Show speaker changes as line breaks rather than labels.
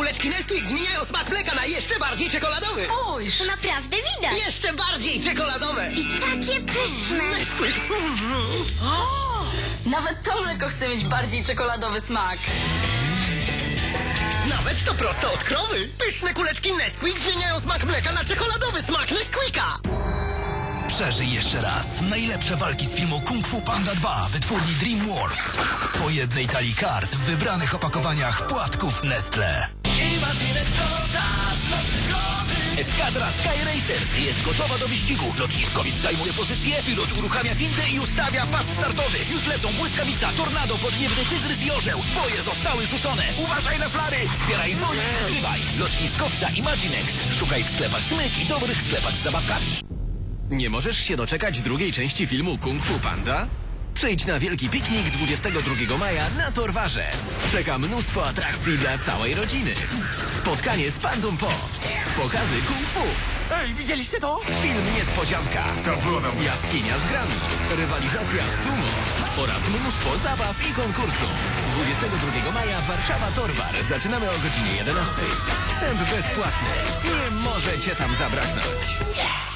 kuleczki Nesquik zmieniają smak mleka na jeszcze bardziej czekoladowy.
Spójrz!
To naprawdę widać.
Jeszcze bardziej czekoladowe.
I takie pyszne.
Nawet to mleko chce mieć bardziej czekoladowy smak.
Nawet to prosto od krowy. Pyszne kuleczki Nesquik zmieniają smak mleka na czekoladowy smak Nesquika.
Przeżyj jeszcze raz najlepsze walki z filmu Kung Fu Panda 2 wytwórni DreamWorks. Po jednej talii kart w wybranych opakowaniach płatków Nestle.
Eskadra Sky Racers jest gotowa do wyścigu. Lotniskowiec zajmuje pozycję, pilot uruchamia windę i ustawia pas startowy. Już lecą błyskawica, tornado, podniebny tygrys i orzeł. Boje zostały rzucone. Uważaj na flary, zbieraj broń i wygrywaj. Lotniskowca Imaginext. Szukaj w sklepach Smyk i dobrych sklepach z zabawkami.
Nie możesz się doczekać drugiej części filmu Kung Fu Panda? Przyjdź na wielki piknik 22 maja na Torwarze. Czeka mnóstwo atrakcji dla całej rodziny. Spotkanie z Pandą Po. Pokazy Kung Fu.
Ej, widzieliście to?
Film Niespodzianka.
To było dobre.
Jaskinia z grami. Rywalizacja sumo. Oraz mnóstwo zabaw i konkursów. 22 maja Warszawa Torwar. Zaczynamy o godzinie 11. Wstęp bezpłatny. Nie może cię tam zabraknąć.